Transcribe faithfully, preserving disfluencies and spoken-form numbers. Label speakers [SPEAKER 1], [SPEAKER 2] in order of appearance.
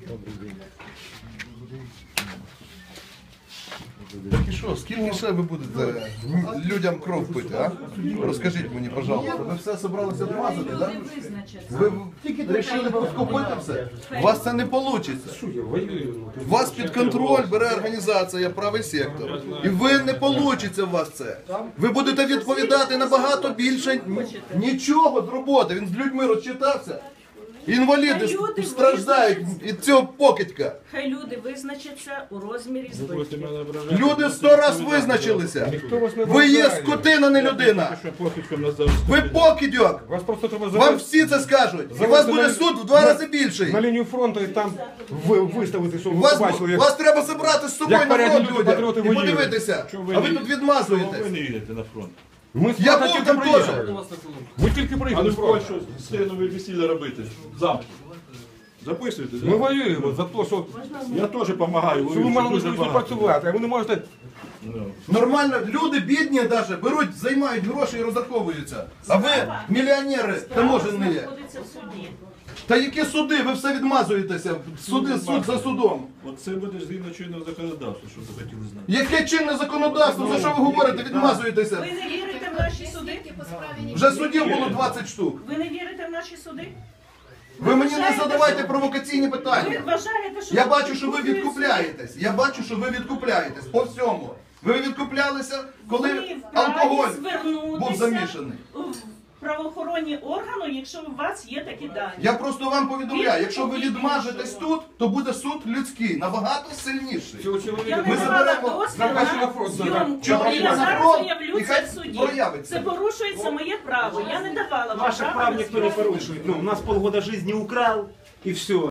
[SPEAKER 1] Так і що, скільки ще ви будете людям кров пити, а? Розкажіть мені, пожалуйста. Ви все зібралися відмазати, так? Ви вирішили розкупити все? У вас це не вийде. У вас під контроль бере організація «Правий сектор». І ви не вийде у вас це. Ви будете відповідати набагато більше нічого з роботи. Він з людьми розчитався. Інваліди страждають від цього покидька.
[SPEAKER 2] Хай люди визначаться у розмірі збитків.
[SPEAKER 1] Люди сто раз визначилися. Ви є скотина, не людина. Ви покидьок. Вам всі це скажуть. І у вас буде суд в два рази більший.
[SPEAKER 3] На лінію фронту і там виставити, щоб ви
[SPEAKER 1] Вас,
[SPEAKER 3] побачили, як...
[SPEAKER 1] вас треба забрати з собою
[SPEAKER 3] як
[SPEAKER 1] на
[SPEAKER 3] порядні
[SPEAKER 1] фронт
[SPEAKER 3] люди,
[SPEAKER 1] людям
[SPEAKER 3] патріоти
[SPEAKER 1] і
[SPEAKER 3] воюють.
[SPEAKER 1] подивитися.
[SPEAKER 4] Чого ви
[SPEAKER 1] А ви
[SPEAKER 4] не-
[SPEAKER 1] тут
[SPEAKER 4] Ви
[SPEAKER 1] відмазуєтесь.
[SPEAKER 4] не їдете на фронт.
[SPEAKER 3] Ми з
[SPEAKER 1] Я
[SPEAKER 3] фронту
[SPEAKER 1] був
[SPEAKER 3] тільки
[SPEAKER 1] там
[SPEAKER 3] приїхали.
[SPEAKER 1] теж.
[SPEAKER 3] Ми тільки
[SPEAKER 4] А не
[SPEAKER 3] приїхали з
[SPEAKER 4] в
[SPEAKER 3] фронту.
[SPEAKER 4] Польщу стенові весілля робити. Замки. Записуйте,
[SPEAKER 3] Ми
[SPEAKER 4] да?
[SPEAKER 3] воюємо за те, що,
[SPEAKER 4] Я теж допомагаю,
[SPEAKER 3] що ви мали
[SPEAKER 4] дуже
[SPEAKER 3] можливість
[SPEAKER 4] багато.
[SPEAKER 3] працювати, а ви не можете...
[SPEAKER 4] Ну.
[SPEAKER 1] Нормально, люди бідні навіть беруть, займають гроші і розраховуються. А ви мільйонери таможені.
[SPEAKER 2] Знаходиться в суді.
[SPEAKER 1] Та які суди? Ви все відмазуєтеся. Суди, суд за судом.
[SPEAKER 4] От це буде згідно чинного законодавства, щоб ви хотіли знати.
[SPEAKER 1] Яке чинне законодавство? За що ви говорите? Відмазуєтеся.
[SPEAKER 2] Ви не вірите в наші суди?
[SPEAKER 1] Вже судів було двадцять штук.
[SPEAKER 2] Ви не вірите в наші суди?
[SPEAKER 1] Ви мені не
[SPEAKER 2] вважаєте,
[SPEAKER 1] задавайте
[SPEAKER 2] що-
[SPEAKER 1] провокаційні
[SPEAKER 2] Ви
[SPEAKER 1] питання.
[SPEAKER 2] вважаєте, що...
[SPEAKER 1] Я бачу, що ви відкупляєтесь. Я бачу, що ви відкупляєтесь по всьому. Ви відкуплялися, коли
[SPEAKER 2] Ви вправі
[SPEAKER 1] алкоголь
[SPEAKER 2] звернутися
[SPEAKER 1] був замішаний.
[SPEAKER 2] в правоохоронні органи, якщо у вас є такі дані.
[SPEAKER 1] Я просто вам повідомляю, якщо ви відмажетесь тут, то буде суд людський, набагато сильніший.
[SPEAKER 3] Цього
[SPEAKER 2] Я
[SPEAKER 3] чоловіка
[SPEAKER 2] не
[SPEAKER 1] Ми
[SPEAKER 2] давала
[SPEAKER 1] заберемо
[SPEAKER 2] дозвіл
[SPEAKER 3] Запрошую на
[SPEAKER 2] на
[SPEAKER 3] фронт,
[SPEAKER 2] зйомку.
[SPEAKER 1] Чоловіка
[SPEAKER 2] Я
[SPEAKER 1] на
[SPEAKER 2] зараз
[SPEAKER 1] фронт,
[SPEAKER 2] заявлю
[SPEAKER 1] і
[SPEAKER 2] це
[SPEAKER 1] хай
[SPEAKER 2] в суді.
[SPEAKER 1] проявиться.
[SPEAKER 2] Це порушується моє право. Я не давала вам
[SPEAKER 5] Ваших
[SPEAKER 2] права
[SPEAKER 5] прав
[SPEAKER 2] на
[SPEAKER 5] никто не
[SPEAKER 2] зйомку.
[SPEAKER 5] порушует. Ну, у нас полгода жизни украл, и все.